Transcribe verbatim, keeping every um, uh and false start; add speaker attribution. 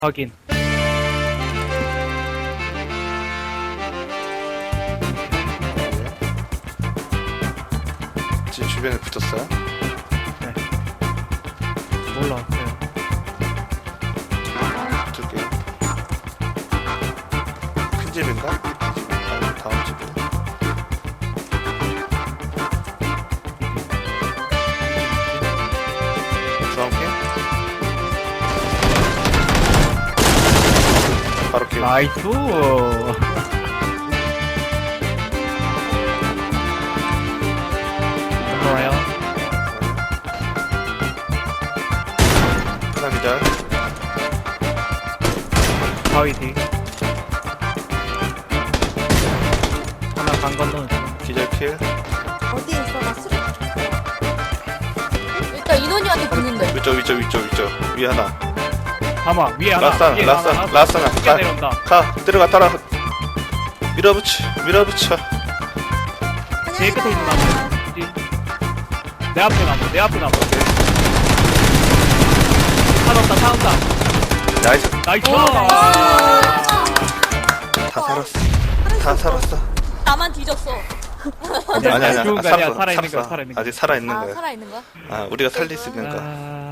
Speaker 1: 확인.
Speaker 2: 지금 주변에 붙었어요?
Speaker 1: 올라왔어요.
Speaker 2: 붙을게요. 큰 집인가? 이 집, 아니 다음 집이다. 주황핑? 바로 끼워.
Speaker 1: 나이스. 뭐예요?
Speaker 2: 하나 기절.
Speaker 1: 바위 뒤. 하나 간 건너는 중.
Speaker 2: 기절 킬.
Speaker 3: 어디에 있어? 나 수리. 일단 인원이한테 붙는데.
Speaker 2: 위쪽 위쪽 위쪽 위쪽 위에 하나.
Speaker 1: 가마 위에 하나.
Speaker 2: 라스 하나
Speaker 1: 위에
Speaker 2: 라스 하나 라스 하나.
Speaker 1: 크게
Speaker 2: 가,
Speaker 1: 내려온다.
Speaker 2: 가 들어가 따라. 밀어붙여 밀어붙여.
Speaker 1: 제일 끝에 있는 나무. 뒤. 내 앞에 나무. 내 앞에 나무. 사놨다 사놨다.
Speaker 2: 나이스.
Speaker 1: 나이스.
Speaker 2: 다 살았어. 다 살았어.
Speaker 3: 나만 뒤졌어.
Speaker 2: 아니 아니 아니.
Speaker 1: 죽은
Speaker 2: 아,
Speaker 1: 거 아니야.
Speaker 2: 살았어,
Speaker 1: 살아있는 거야,
Speaker 2: 살았어.
Speaker 1: 살아있는 거.
Speaker 2: 아직 살아있는
Speaker 3: 아,
Speaker 2: 거야.
Speaker 3: 살아있는 거야?
Speaker 2: 아 우리가 살릴 수 있는 거.
Speaker 1: 아...